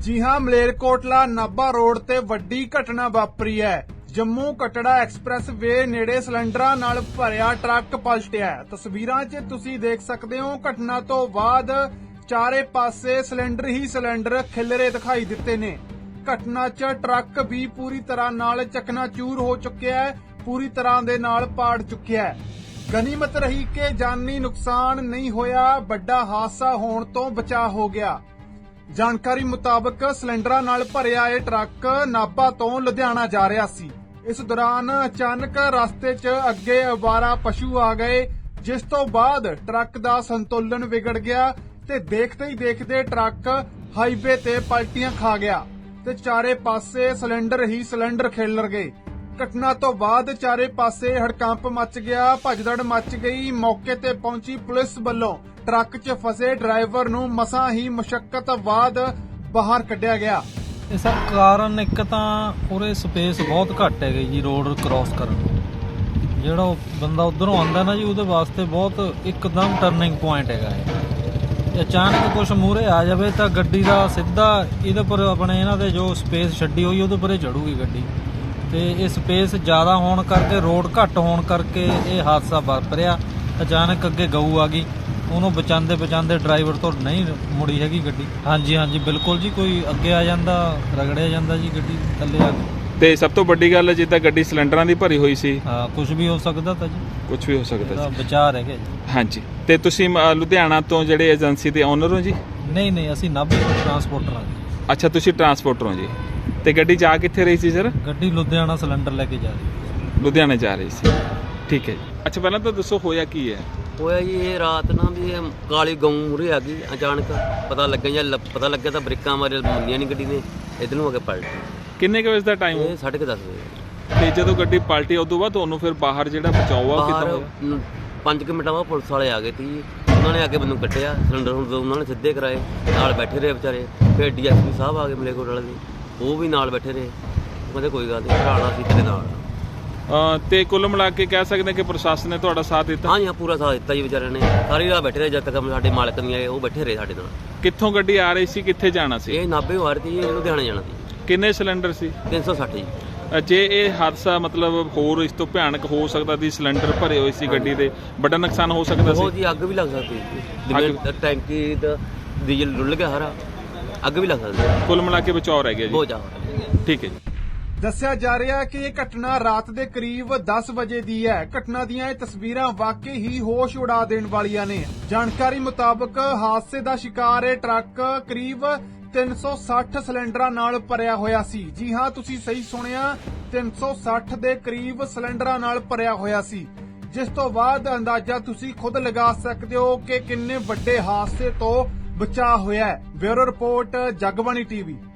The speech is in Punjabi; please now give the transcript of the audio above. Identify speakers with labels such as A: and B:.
A: जी हां, मलेरकोटला नाभा रोड ते वड्डी घटना वापरी है। जम्मू कटड़ा एक्सप्रैस वे नेड़े सिलेंडरां नाल भरिया ट्रक पलटिया। तस्वीरां 'ਚ ਤੁਸੀਂ देख सकते हो। घटना तो बाद चारे पासे सिलेंडर ही सिलेंडर खिलरे दिखाई दिते ने। घटना 'ਚ ट्रक भी पूरी तरह नाल चकनाचूर हो चुकिया है, पूरी तरह दे नाल पाड़ चुकिया है। गनीमत रही कि जानी नुकसान नहीं होया, बड़ा हादसा होने तो बचा हो गया। ਜਾਣਕਾਰੀ ਮੁਤਾਬਕ ਸਿਲੰਡਰਾਂ ਨਾਲ ਭਰਿਆ ਇਹ ਟਰੱਕ ਨਾਭਾ ਤੋਂ ਲੁਧਿਆਣਾ ਜਾ ਰਿਹਾ ਸੀ। ਇਸ ਦੌਰਾਨ ਅਚਾਨਕ ਰਸਤੇ 'ਚ ਅੱਗੇ ਅਵਾਰਾ ਪਸ਼ੂ ਆ ਗਏ, ਜਿਸ ਤੋਂ ਬਾਅਦ ਟਰੱਕ ਦਾ ਸੰਤੁਲਨ ਵਿਗੜ ਗਿਆ ਤੇ ਦੇਖਦੇ ਹੀ ਦੇਖਦੇ ਟਰੱਕ ਹਾਈਵੇ ਤੇ ਪਲਟੀਆਂ ਖਾ ਗਿਆ ਤੇ ਚਾਰੇ ਪਾਸੇ ਸਿਲੰਡਰ ਹੀ ਸਿਲੰਡਰ ਖਿਲਰ ਗਏ। ਘਟਨਾ ਤੋਂ ਬਾਅਦ ਚਾਰੇ ਪਾਸੇ ਹੜਕੰਪ ਮਚ ਗਿਆ, ਭਜਦੜ ਮਚ ਗਈ। ਮੌਕੇ ਤੇ ਪਹੁੰਚੀ ਪੁਲਿਸ ਵੱਲੋਂ ट्रक च फसे ड्राइवर नूं मसां ही मुशक्कत बाद बाहर कढ़िया गया।
B: सर कारण एक तां उरे स्पेस बहुत घट है जी रोड क्रॉस करन नूं। ਜਿਹੜਾ ਬੰਦਾ ਉਧਰੋਂ ਆਉਂਦਾ ਨਾ ਜੀ ਉਹਦੇ ਵਾਸਤੇ ਬਹੁਤ ਇੱਕਦਮ ਟਰਨਿੰਗ ਪੁਆਇੰਟ ਹੈਗਾ ਇਹ। ਅਚਾਨਕ ਕੁਝ ਮੂਹਰੇ ਆ ਜਾਵੇ ਤਾਂ ਗੱਡੀ ਦਾ ਸਿੱਧਾ ਇਹਦੇ ਪਰ ਆਪਣੇ ਇਹਨਾਂ ਦੇ ਜੋ ਸਪੇਸ ਛੱਡੀ ਹੋਈ ਉਹਦੇ ਪਰੇ ਚੜੂਗੀ ਗੱਡੀ ਤੇ ਇਹ ਸਪੇਸ ਜ਼ਿਆਦਾ ਹੋਣ ਕਰਕੇ ਰੋਡ ਘੱਟ ਹੋਣ ਕਰਕੇ ਇਹ ਹਾਦਸਾ ਵਾਪਰਿਆ। ਅਚਾਨਕ ਅੱਗੇ ਗਊ ਆ ਗਈ, ਉਹਨੂੰ ਬਚਾਉਂਦੇ ਡਰਾਈਵਰ ਤੋਂ ਨਹੀਂ ਮੁੜੀ ਹੈਗੀ ਗੱਡੀ। ਹਾਂਜੀ ਬਿਲਕੁਲ ਜੀ, ਕੋਈ ਅੱਗੇ ਆ ਜਾਂਦਾ ਰਗੜਿਆ ਜਾਂਦਾ ਜੀ ਗੱਡੀ ਥੱਲੇ ਆ ਕੇ।
C: ਤੇ ਸਭ ਤੋਂ ਵੱਡੀ ਗੱਲ ਜਿੱਦਾਂ ਗੱਡੀ ਸਿਲੰਡਰਾਂ ਦੀ ਭਰੀ ਹੋਈ ਸੀ।
B: ਹਾਂ, ਕੁਝ ਵੀ ਹੋ ਸਕਦਾ ਤਾਂ ਜੀ,
C: ਕੁਝ ਵੀ ਹੋ ਸਕਦਾ ਸੀ।
B: ਵਿਚਾਰ ਹੈਗੇ ਜੀ।
C: ਹਾਂਜੀ, ਤੇ ਤੁਸੀਂ ਲੁਧਿਆਣਾ ਤੋਂ ਜਿਹੜੇ ਏਜੰਸੀ ਦੇ ਓਨਰ ਹੋ ਜੀ?
B: ਨਹੀਂ ਅਸੀਂ ਨਾਭੇ ਤੋਂ ਟਰਾਂਸਪੋਰਟਰ ਹਾਂ ਜੀ।
C: ਅੱਛਾ, ਤੁਸੀਂ ਟਰਾਂਸਪੋਰਟਰ ਹੋ ਜੀ। ਤੇ ਗੱਡੀ ਜਾ ਕਿੱਥੇ ਰਹੀ ਸੀ ਸਰ?
B: ਗੱਡੀ ਲੁਧਿਆਣਾ ਸਿਲੰਡਰ ਲੈ ਕੇ ਜਾ ਰਹੀ।
C: ਲੁਧਿਆਣੇ ਜਾ ਰਹੀ ਸੀ, ਠੀਕ ਹੈ ਜੀ। ਅੱਛਾ, ਪਹਿਲਾਂ ਤਾਂ ਦੱਸੋ ਹੋਇਆ ਕੀ ਹੈ?
D: ਹੋਇਆ ਜੀ ਇਹ ਰਾਤ ਨਾ ਵੀ ਇਹ ਕਾਲੀ ਗਊ ਮੂਹਰੇ ਆ ਗਈ। ਅਚਾਨਕ ਪਤਾ ਲੱਗਿਆ ਤਾਂ ਬ੍ਰੇਕਾਂ ਮਾਰੇ ਮੁੰਨੀਆਂ ਨਹੀਂ ਗੱਡੀ ਨੇ, ਇੱਧਰ ਨੂੰ ਆ ਕੇ ਪਲਟੀ।
C: ਕਿੰਨੇ ਕੁ ਵਜੇ ਦਾ ਟਾਈਮ?
D: ਇਹ 10:30 ਵਜੇ।
C: ਤੇ ਜਦੋਂ ਗੱਡੀ ਪਲਟੀ ਉਦੋਂ ਬਾਅਦ ਤੁਹਾਨੂੰ ਫਿਰ ਬਾਹਰ ਜਿਹੜਾ ਬਚਾਓ ਆ ਕਿੱਦਾਂ ਹੋਇਆ?
D: 5 ਮਿੰਟਾਂ ਬਾਅਦ ਪੁਲਿਸ ਵਾਲੇ ਆ ਗਏ ਤੀ। ਉਹਨਾਂ ਨੇ ਆ ਕੇ ਮੈਨੂੰ ਕੱਢਿਆ, ਸਿਲੰਡਰ ਹੁਣ ਉਹਨਾਂ ਨੇ ਸਿੱਧੇ ਕਰਾਏ, ਨਾਲ ਬੈਠੇ ਰਹੇ ਵਿਚਾਰੇ। ਫਿਰ DSP ਸਾਹਿਬ ਆ ਗਏ ਮਲੇਰਕੋਟ ਵਾਲੇ ਦੇ, ਉਹ ਵੀ ਨਾਲ ਬੈਠੇ ਰਹੇ। ਕਹਿੰਦੇ ਕੋਈ ਗੱਲ ਨਹੀਂ, ਭਰਾਣਾ ਸੀ ਤੇਰੇ ਨਾਲ।
C: ਤੇ ਕੁੱਲ ਮਿਲਾ ਕੇ ਕਹਿ ਸਕਦੇ ਕਿ ਪ੍ਰਸ਼ਾਸਨ ਨੇ ਤੁਹਾਡਾ ਸਾਥ ਦਿੱਤਾ?
D: ਹਾਂਜੀ ਹਾਂ, ਪੂਰਾ ਸਾਥ ਦਿੱਤਾ ਜੀ। ਵਿਚਾਰਿਆਂ ਨੇ ਸਾਰੀ ਰਾਤ ਬੈਠੇ ਰਹੇ, ਜਦ ਤੱਕ ਸਾਡੇ ਮਾਲਕ ਨਹੀਂ ਆਏ ਉਹ ਬੈਠੇ ਰਹੇ ਸਾਡੇ ਨਾਲ।
C: ਕਿੱਥੋਂ ਗੱਡੀ ਆ ਰਹੀ ਸੀ, ਕਿੱਥੇ ਜਾਣਾ ਸੀ?
D: ਇਹ ਨਾਭੇ ਆ ਰਹੀ ਸੀ, ਇਹ ਲੁਧਿਆਣੇ ਜਾਣਾ ਸੀ।
C: ਕਿੰਨੇ ਸਿਲੰਡਰ ਸੀ?
D: 360 ਜੀ।
C: ਜੇ ਇਹ ਹਾਦਸਾ ਮਤਲਬ ਹੋਰ ਇਸ ਤੋਂ ਭਿਆਨਕ ਹੋ ਸਕਦਾ ਸੀ, ਸਿਲੰਡਰ ਭਰੇ ਹੋਏ ਸੀ ਗੱਡੀ ਦੇ, ਵੱਡਾ ਨੁਕਸਾਨ ਹੋ ਸਕਦਾ ਸੀ।
D: ਜੀ ਅੱਗ ਵੀ ਲੱਗ ਸਕਦੀ ਸੀ, ਜਿਵੇਂ ਟੈਂਕੀ ਦਾ ਡੀਜ਼ਲ ਡੁੱਲ ਗਿਆ ਸਾਰਾ, ਅੱਗ ਵੀ ਲੱਗ ਸਕਦੀ।
C: ਕੁੱਲ ਮਿਲਾ ਕੇ ਬਚਾਅ ਰਹਿ ਗਿਆ ਜੀ।
D: ਬਹੁਤ ਜ਼ਿਆਦਾ।
C: ਠੀਕ ਹੈ ਜੀ।
A: ਦੱਸਿਆ ਜਾ ਰਿਹਾ ਹੈ ਕਿ ਇਹ ਘਟਨਾ ਰਾਤ ਦੇ ਕਰੀਬ 10 ਵਜੇ ਦੀ ਹੈ। ਘਟਨਾ ਦੀਆਂ ਇਹ ਤਸਵੀਰਾਂ ਵਾਕਈ ਹੀ ਹੋਸ਼ ਉਡਾ ਦੇਣ ਵਾਲੀਆਂ ਨੇ। ਜਾਣਕਾਰੀ ਮੁਤਾਬਕ ਹਾਦਸੇ ਦਾ ਸ਼ਿਕਾਰ ਇਹ ਟਰੱਕ ਕਰੀਬ 360 ਸਿਲੰਡਰਾਂ ਨਾਲ ਭਰਿਆ ਹੋਇਆ ਸੀ। ਜੀ ਹਾਂ, ਤੁਸੀਂ ਸਹੀ ਸੁਣਿਆ, 360 ਦੇ ਕਰੀਬ ਸਿਲੰਡਰਾਂ ਨਾਲ ਭਰਿਆ ਹੋਇਆ ਸੀ, ਜਿਸ ਤੋਂ ਬਾਅਦ ਅੰਦਾਜ਼ਾ ਤੁਸੀਂ ਖੁਦ ਲਗਾ ਸਕਦੇ ਹੋ ਕਿ ਕਿੰਨੇ ਵੱਡੇ ਹਾਦਸੇ ਤੋਂ ਬਚਾਅ ਹੋਇਆ ਹੈ। Bureau report, Jagbani TV।